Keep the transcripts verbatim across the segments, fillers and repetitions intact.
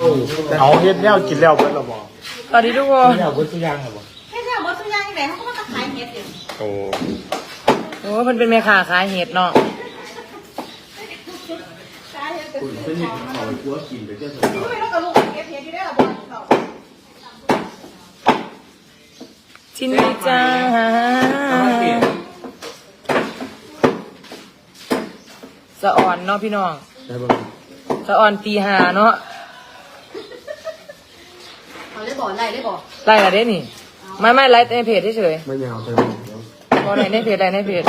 เอาเฮ็ดแนวกินแล้วเบิดหรอบ่สวัสดีทุกคนแล้วเบิดทุกอย่างหรอบ่แค่เนี่ยบดทุกอย่างที่ไหนเขาก็มาขายเห็ดอยู่โอ้โอ้มันเป็นแม่ค้าขายเห็ดเนาะขายเห็ดเป็นคุณเป็นเห็ดเขาไปกลัวกินไปเจ้าสาวก็ไม่ต้องกระลูกเก็บเห็ดที่ได้หรอบอลเขาชินดีจ้าสะอ่อนเนาะพี่น้องได้บ่สะอ่อนตีหาเนาะเอาได้บ่อไล่ได้บ่อไล่ละเด้นี่ไม่ไม่ไล่ในเพจเฉยไม่ยาวเต็มพอไหนในเพจไล่ในเพจ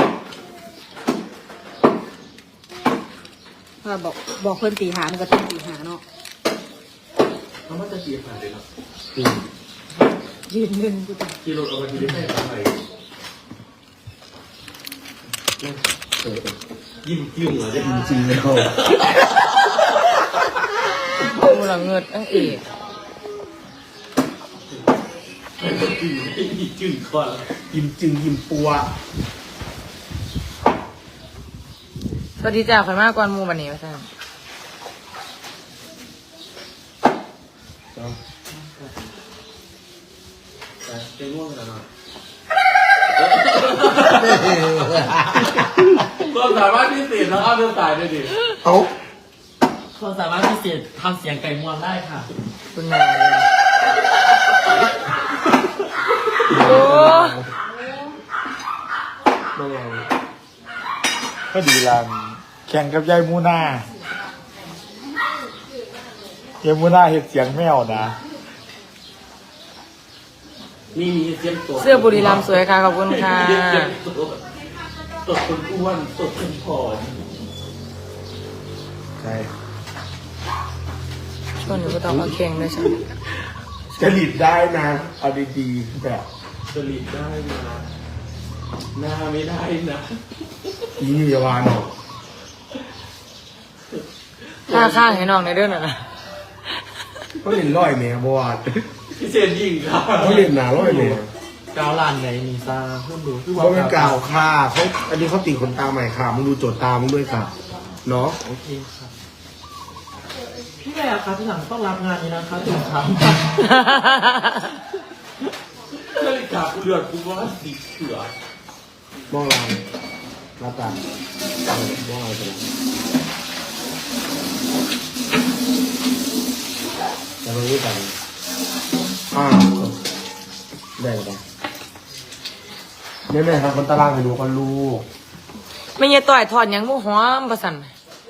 บอกบอกเพื่อนตีหามันก็ต้องตีหาเนาะเขาไม่จะเสียผ่านเลยเนาะยืนหนึ่งกูต้องกิโลเอาไปที่ได้ทำไมยิ้มยิ้มเหรอเนี่ยจริงแล้วมูหลังเงิดอังเอกยิ้มยิ้มจิ้มคอยิ้มจึงยิ้มปัวสวัสดีจ้าข่อยมากกว่ามูบันนี้มาจ้าจะง่วงแล้วเนาะก็สามารถพิเศษแล้วเอาเรื่องสายได้ดิเอาคนสามารถพิเศษทำเสียงไก่มวนได้ค่ะคุณนาเลยโอ้บ่เอาก็ดีลานแข่งกับยายมูน่ายายมูน่าเฮ็ดเสียงแมวนะนี่มีเสียงตัวเสื้อบุรีรัมย์สวยค่ะขอบคุณค่ะตดคนอ้วนตดคนผอมใช่ช่วงนี้ก็ต้องเอาเข่งด้วยใช่จะหลีดได้นะเอาดีๆแบบสลิดได้นะหน้าไม่ได้นะอีนี่อย่าวางหรอกค่าข้างให้น้องในเรื่องน่ะนะเขาเล่นร้อยแม่บวชพิเศษยิ่งครับเขาเล่นหนาร้อยแม่กาวลานไหนมีซาเพิ่มดูคือเขาเป็นกล่าวค่าเขาอันนี้เขาตีขนตาใหม่ค่ะมึงดูโจทย์ตามึงด้วยค่ะเนาะโอเคครับพี่แม่ครับที่หลังต้องรับงานนี้นะครับถึงครับนาฬิกากูเลือดกูว่าสีเขือมองลางรับตามมองอะไรกันแต่ไม่รู้กันอ่าได้หรือเปล่าแม่แม่ครับคนตารางไปดูคนลูกไม่เงี้ยต่อยถอดหยังมูหอมประสัน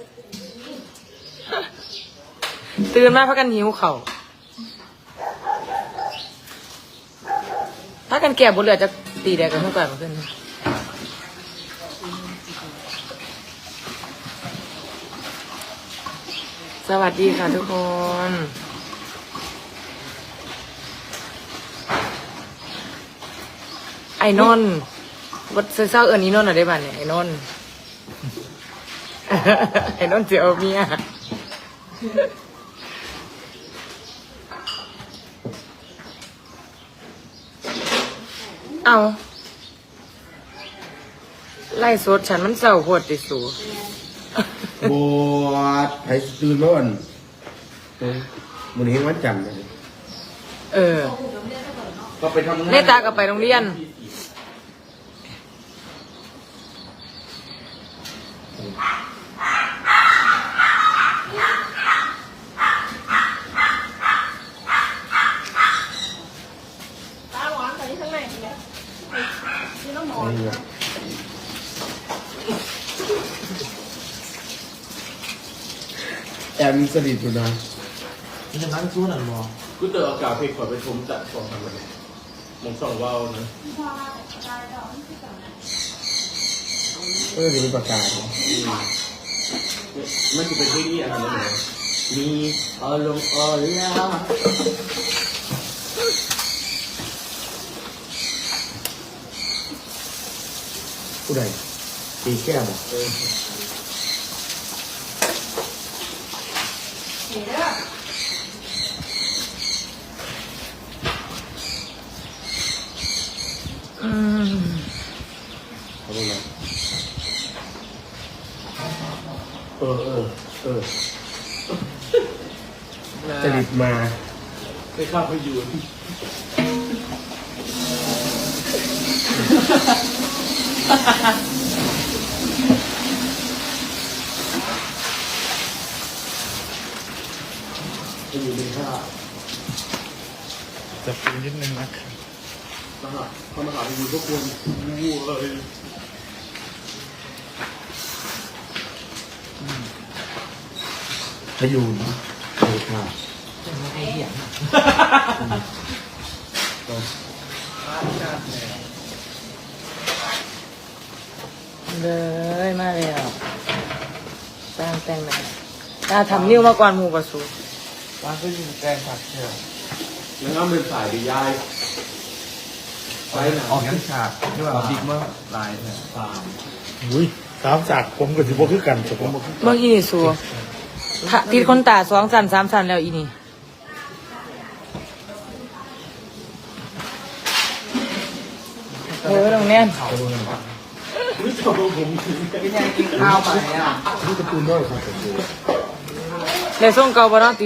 ตื่นมาพักกันหิวเข่าพักกันแก่บนเรือจะตีแดกกันเมื่อก่อนมาขึ้นสวัสดีค่ะทุกคนไอ้นนท์วัดเศร้าเอิญนี่นนท์อะไรบ้างเนี่ยไอ้นนท์ ไอ้นนท์เจียวเมียเอาไล่สดฉันมันเศร้าโหดติสูบวชไอ้ตื่นร้อนมันเห็นวันจันทร์เลยเออก็ไปทำงานเนตากับไปโรงเรียนแอมสนิทอยู่นะมีจะนั่งสู้หนังมอกูเตออากาศเพลงขอไปชมจัดสองทำอะไรมองสองว่าวนะเออจะมีประกาศมันจะเป็นที่นี่อะไรนะมีอารมณ์ออลาผู้ใดตีแก้มอ่ะอืมเขาเป็นไงเออเออเออนะจริตมาไปข้าวไปอยู่ไปอยู่ในข้าจะปูนิดนึงนะครับมาหาเขามาหาไปอยู่ทุกคนวู้เลยไปอยู่ในข้าไอ้เหี้ยเลยมาแล้วสร้างแต่งหน้าตาทำนิ้วมาก่อนหมูกระสูร้านก็ยิงแกงผักเชียวแล้วก็เป็นสายดียายไปไหนออกยังฉากนี่ว่าบิ๊กเมื่อลายเนี่ยสามอุ้ยสามฉากผมกับสิบวคือกันแต่ผมบ่คือเมื่อกี้นี่สูถ้าติดคนตาสองสันสามสันแล้วอีนี่เออตรงแน่นรู้จักผมพี่แนนกินข้าวไปอ่ะนี่การะตูนด้วยครับผมดูเดี๋ยวส่งเกาบเนาะตี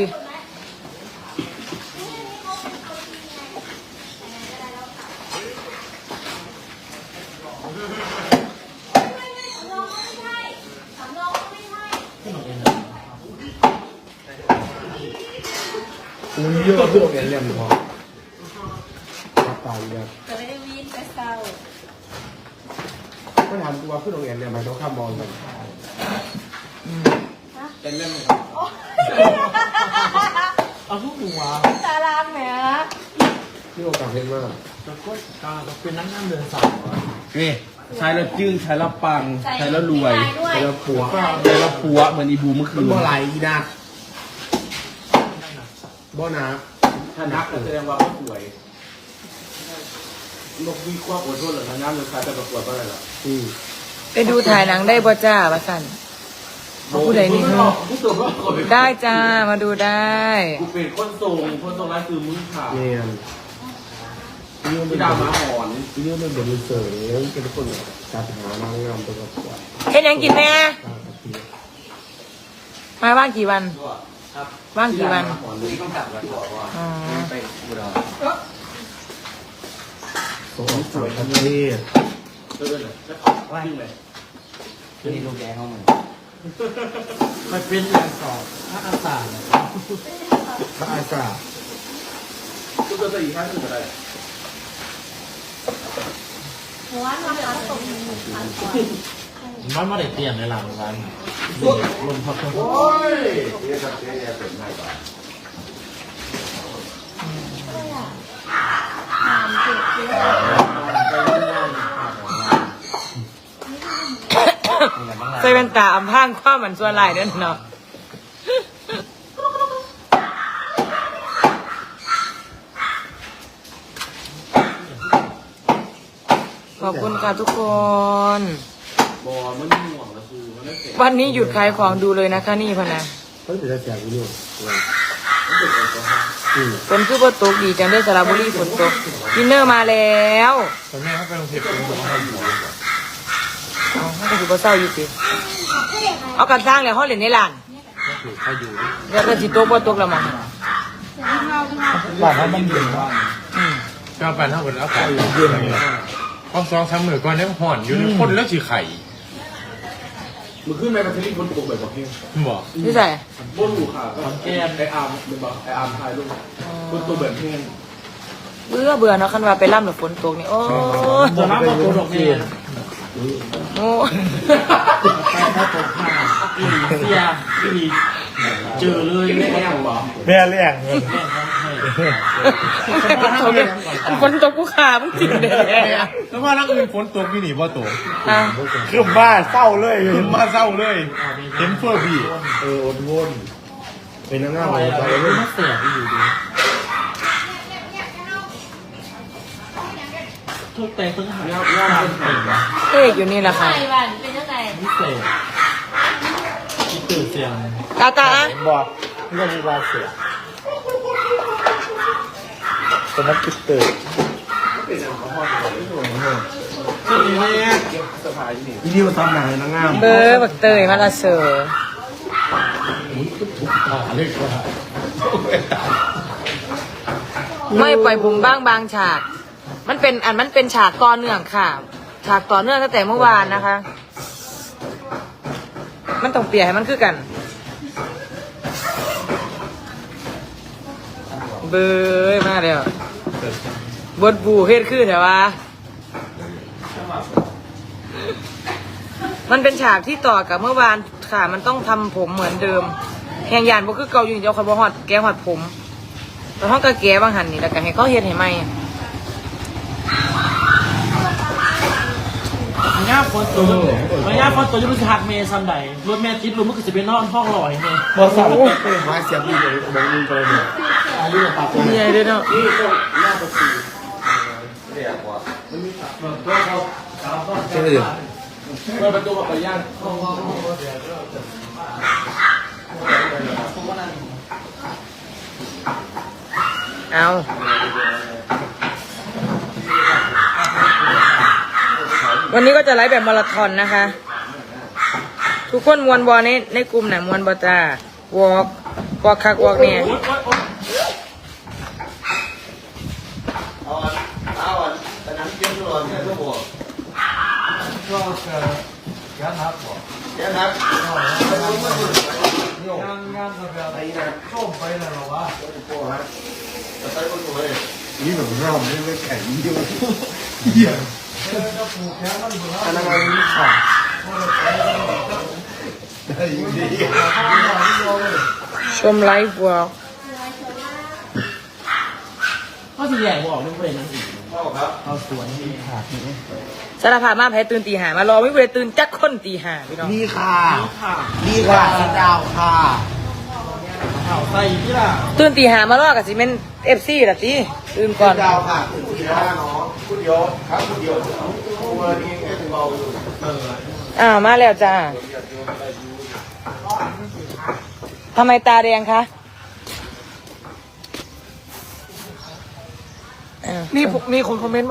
อุ้ยเยอะเพื่อนเรียนพอตายเลยจะไม่ได้วิ่งไปเศร้าไม่ถามกูว่าเพื่อนโรงเรียนเนี่ยมันต้องข้ามมองกันเป็นเล่นไหมเอาทุกหัวตารางแหมที่โอกาสเห็นมากแล้วก็กาจะเป็นนักงานเดินสายนี่ใช้แล้วจึ้งใช้แล้วปังใช้แล้วรวยด้วยเจอผัวใช้แล้วปัวเหมือนอีบูเมื่อคืมันนบ่ไหลอีนะบ่นะถ้านักก็แสดงว่าเขาสวยนกวิเคราะห์อดทนหรือน้ำเลยใครไปประกวดก็ได้หรออืมไปดูถ่ายหนังได้บ่จ้าว่าสันเอาผู้ใดนี่ผู้สูงก็คนได้จ้ามาดูได้กูเป็นคนทรงคนทรงร้ายคือมึงขาดเนี่ยนี่มันเป็พี่นดาวมาหอนนี่มันเป็นเสยเป็นคนจัดหานางงามตัวประกวดเฮ็ดหยังกินแม่ตามปกติมาว่างกี่วันครับว่างกี่วันหอนเลยต้องจับกันก่อนว่าอ๋อไปอุดรสวยสวยทั้งประเทศเดินเลยว่าที่ไหนนี่ลูกแกเข้ามามันเป็นอย่างสอบถ้าอาสาเนี่ยพระอาสากูจะไปอีกข้างหนึ่งอะไรหัวน้ำตาตกมันไม่ได้เตรียมในหลังวันลมพัดทั้งโอ้ยใส่เป็นตาอำพรางความเหมือนส่วนหลายเด้อเนาะขอบคุณค่ะทุกคนบอมันห่วงนะคือมันไม่เสร็จวันนี้หยุดขายของดูเลยนะคะนี่พะนะเฮ้ยเป็นแจกวิดีโอมันเสร็จแล้วก็ฮะอืมฝนคือบ่ตกดีจังได้อสระบุรีฝนตกดินเนอร์มาแล้วตอนนี้เขาไปโรงเรียนผมบอกให้อยู่เอามันก็คือบ่เศร้าอยู่สิเอากันสร้างแล้วเฮาเล่นในลานก็คือเขาอยู่แล้วก็สิตกบ่ตกแล้วมั้งบ้านเขามันเย็นมากอืมก็ไปเท่ากับอากาศเย็นเลยพอสองสามหมื่นก่อนเนี่ยห่อนอยู่ในคนแล้วสีไข่มึงขึ้นไปประเทศญี่ปุ่นตกแบบบอกเพียงบอกนี่ใส่บนหูขาก็แก้มไออาร์มเป็นบอกไออาร์มทายลูกคนตัวแบบเพียงเบื่อเบื่อเนาะคันว่าไปล่ำแล้วฝนตกนี่โอ้ยจะรับมาตัวดอกเบี้ยโอ้ไปถ้าตกผ้าอีเสียอีเจอเลยไม่แม่แก้มบอกแม่เลี้ยงเงินฝนตกกูขามึงจริงเด้อแล้วว่านักอื่นฝนตกพี่หนีบ่ตกอ่ะคือบ้าเศร้าเลยเห็นบ้าเศร้าเลยเห็นเพื่อพี่เอออดวนเป็นนางงามไปไปแล้วเลยไม่เสียอยู่ดีทุกแต่ทุกหาย่าย่าเป็นไงวะเอกอยู่นี่แหละค่ะไต้หวันเป็นยังไงพิเศษที่ตื่นเสียงตาตาอ่ะบอกเรื่องมีบาเสียสนักกิจเตอร์ที่นี่แม่สะพายนี่ที่นี่มาทำหนังนางงามเบอร์บักเตยมาละเสืออ่าเรียกว่าไม่ปล่อยผมบ้างบางฉาก มันเป็นอันมันเป็นฉากต่อเนื่องค่ะ ฉากต่อเนื่องตั้งแต่เมื่อวานนะคะ มันต้องเปลี่ยนให้มันคือกัน เบยมากเลยอ่ะบดบูเฮ็ดขึ้นเหรอวะมันเป็นฉากที่ต่อกับเมื่อวานค่ะ มันต้องทำผมเหมือนเดิมแหงยานบ่คือเก่าอยู่เดียวเขาบ่ฮอดแก้ฮอดผมแต่ห้องก็แก้บางหันนี่แล้วก็ให้เขาเฮ็ดให้ใหม่มันยากคนตัวมันยากคนตัวจะรู้สึกหักเมย์ซัมใดรถแม่คิดรู้มันคือจะเป็นนอนห้องลอยเมย์บอสสั่งไปมาเสียบดีเลยบอกมึงไปเลยอายุปากตัวใหญ่ด้วยเนาะนี่ต้องหน้าประตูใช่ไหมเปิดประตูแบบไปย่างเอาวันนี้ก็จะไลฟ์แบบมาราธอนนะคะ ทุกคนมวนบอในในกลุ่มไหนมวนบอจ้าวอล์กวอล์กคักวอล์กเนี่ยเอาเอาแต่น้ำเย็นร้อนเนี่ยทุกคนก็จะยันครับบอกเดี๋ยวครับงานงานแบบอะไรนะส้มไปเลยหรอวะนี่แบบเราไม่ไม่แข็งเยอะเหี้ยจะปลูกแค่มันเหมือนอันนั้นมันมีขาได้ยินดีชมไลฟ์วอล์กก็ที่ใหญ่บอกเรื่องประเด็นนั้นอีกครับเอาสวนที่ขาดนี่สารภาพมาแพ้ตื่นตีหามารอไม่เลยตื่นจักคนตีหาพี่น้องนี่ค่ะค่ะนี่ค่ะสีดาวค่ะข่าวใส่ที่ล่ะตื่นตีหามารอกับซีเมนเอฟซีละตีตื่นก่อนดาวค่ะถึงทีละน้องพูดเดียวครับพูดเดียวตัวนี้แค่เบาอยู่อ้าวมาแล้วจ้าทำไมตาแดงคะอ้าวนี่มีคนคอมเมนต์